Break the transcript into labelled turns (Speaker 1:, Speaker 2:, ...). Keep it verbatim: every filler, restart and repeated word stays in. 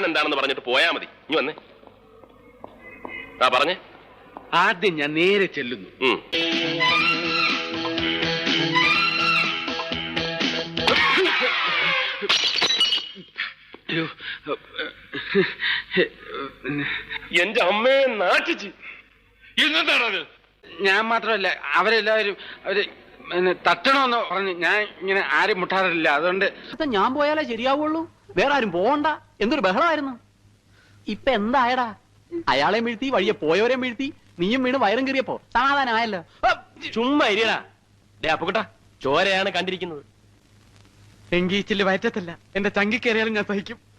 Speaker 1: Plan എന്താണെന്ന് പറഞ്ഞിട്ട് പോയാ മതി. ഇനി വന്നേ. ആ പറഞ്ഞേ.
Speaker 2: ആദ്യം ഞാൻ നേരെ ചെല്ലുന്നു.
Speaker 1: എന്റെ അമ്മയെ നാട്ടിച്ച്.
Speaker 2: എന്താണത്? ഞാൻ മാത്രമല്ല, അവരെല്ലാവരും അവര് തട്ടണമെന്ന് പറഞ്ഞ് ഞാൻ ഇങ്ങനെ ആരും മുട്ടാറില്ല. അതുകൊണ്ട്
Speaker 3: ഞാൻ പോയാലേ ശരിയാവുള്ളൂ, വേറെ ആരും പോകണ്ട. എന്തൊരു ബഹളമായിരുന്നു. ഇപ്പൊ എന്തായടാ? അയാളെ വീഴ്ത്തി, വഴിയെ പോയവരെ വീഴ്ത്തി, നീയും വീണ് വയറും കീറിയപ്പോ സമാധാനമായല്ലോ.
Speaker 1: ചുമ്മാ ഇരിയടാ. ഡേ അപ്പുക്കുട്ടാ, ചോരയാണ് കണ്ടിരിക്കുന്നത്.
Speaker 2: എങ്കീച്ചില് വയറ്റത്തല്ല, എന്റെ ചങ്കിക്കേറിയാലും ഞാൻ സഹിക്കും.